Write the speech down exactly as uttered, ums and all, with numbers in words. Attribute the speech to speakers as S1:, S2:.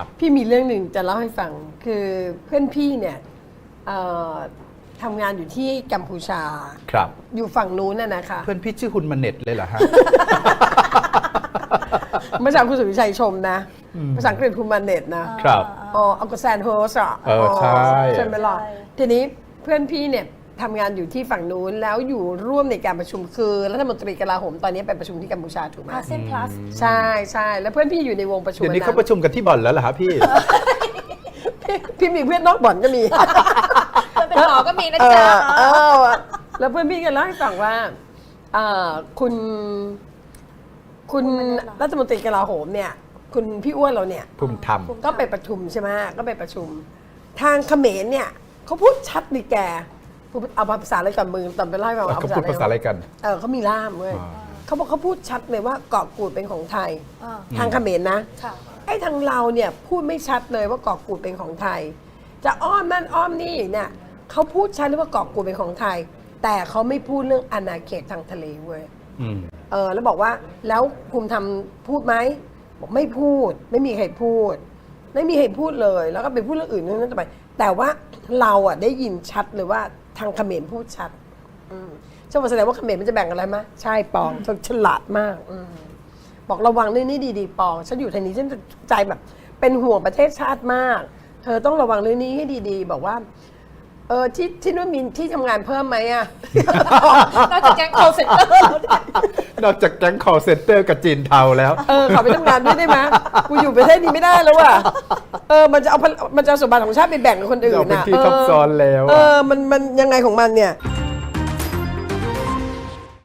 S1: พี่มีเรื่องหนึ่งจะเล่าให้ฟังคือเพื่อนพี่เนี่ยทำงานอยู่ที่กัมพูชา
S2: ครับ
S1: อยู่ฝั่งนู้นน่ะนะคะ
S2: เพื่อนพี่ชื่อคุณมาเน็ตเลยเหรอฮะ
S1: เมื่อเช้าคุณสุวิชัยชมนะภาษาอังกฤษคุณมาเน็ตนะครับอ๋ออัลกอแซนโฮสอ่ะ
S2: เออใช่
S1: ใช่ไหมล่ะทีนี้เพื่อนพี่เนี่ยทำงานอยู่ที่ฝั่งนู้นแล้วอยู่ร่วมในการประชุมคือรัฐมนตรีกลาโหมตอนนี้ไปประชุมที่กัมพูชาถูกไหม
S3: อาเซียนพลัส
S1: ใช่ใช่แล้วเพื่อนพี่อยู่ในวงประชุม
S2: เดี๋ยวนี้เขาประชุมกันที่บ่อนแล้วเหรอฮะพี่
S1: พี่มีเพื่อนนอกบ่อนก็มี
S3: เป็นหมอก็มีนะจ๊ะ
S1: แล้วเพื่อนพี่ก็เล่าให้ฟังว่าคุณคุณรัฐมนตรีกลาโหมเนี่ยคุณพี่อ้วนเราเนี่ย
S2: ภูมิธรรม
S1: ก็ไปประชุมใช่ไหมก็ไปประชุมทางเขมรเนี่ยเขาพูดชัดดิแกเอาภาษาอะไรกันมือตอนไปไล่มา
S2: เขาพูดภาษาอะไรกัน
S1: เออเขามีล่ามเว้ยเขาบอกเขาพูดชัดเลยว่าเกาะกูดเป็นของไทยทางเขมรนะไอ้ทางเราเนี่ยพูดไม่ชัดเลยว่าเกาะกูดเป็นของไทยจะอ้อมนั่นอ้อมนี่เนี่ยเขาพูดชัดเลยว่าเกาะกูดเป็นของไทยแต่เขาไม่พูดเรื่องอาณาเขตทางทะเลเว้ยเออแล้วบอกว่าแล้วภูมิธรรมพูดไหมบอกไม่พูดไม่มีใครพูดไม่มีใครพูดเลยแล้วก็ไปพูดเรื่องอื่นนั่นต่อไปแต่ว่าเราอ่ะได้ยินชัดเลยว่าทางเขมรพูดชัดฉันบอกแสดงว่าเขมรมันจะแบ่งอะไรไหมใช่ปองเธอฉลาดมากบอกระวังเรื่องนี้ดีๆปองฉันอยู่ทางนี้ฉันใจแบบเป็นห่วงประเทศชาติมากเธอต้องระวังเรื่องนี้ให้ดีๆบอกว่าเออที่ที่นู่นมีที่ทำงานเพิ่มไหมอะ
S3: นอกจากแก๊ง call center แล้วเนี่ย
S2: นอกจากแก๊ง call center กับจีนเทาแล้ว
S1: เออขอไปทำงานด้วยได้ไหมกูอยู่ประเทศนี้ไม่ได้แล้วว่ะเออมันจะเอามันจะเอาสมบัติของชาติไปแบ่งกับคนอื่นนะ
S2: เป็นที่ทับซ้อนแล้ว
S1: เออมันมันยังไงของมันเนี่ย